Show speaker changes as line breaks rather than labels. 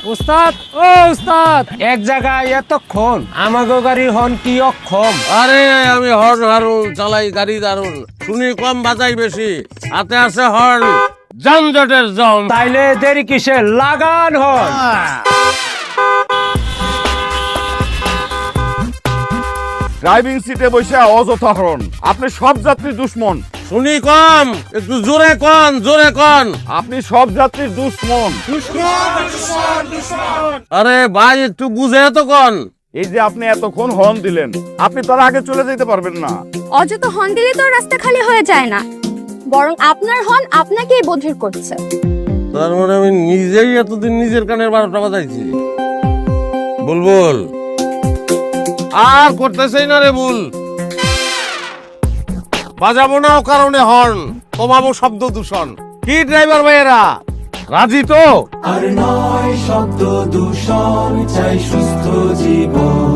উস্তাদ ও উস্তাদ, এক জায়গায় এতক্ষণ আমাগো গাড়ি হন কি অক্ষম।
আরে আমি হর্ন হারুন চালাই গাড়ি দারুন, শুনি কম বাজাই বেশি, হাতে আছে হর্ন, যানজটের জম।
তাইলে দেরি কিসে, লাগান হন।
ড্রাইভিং সিটে বসে অযথা হরণ, আপনি সব যাত্রীর দুশ্মন।
শুনি কম, একটু জোরে কন, জোরে কন।
আপনি সব যাত্রীর দুশ্মন।
আরে ভাই একটু বুঝে তো কন।
এই যে আপনি এতক্ষণ হর্ন দিলেন, আপনি তার আগে চলে যেতে পারবেন না।
অযথা হর্ন দিলে তো রাস্তা খালি হয়ে যায় না, বরং আপনার হর্ন আপনাকেই বধির করছে।
তার মানে আমি নিজেই এতদিন নিজের কানের 12টা বাজাইছি। বুলবুল আর করতেছেই না রে বুল, বাজাবো না ও কারণে হর্ন, কমাবো শব্দ দূষণ। কি ড্রাইভার ভাইয়েরা রাজি তো?
আর নয় শব্দ দূষণ, চাই সুস্থ জীবন।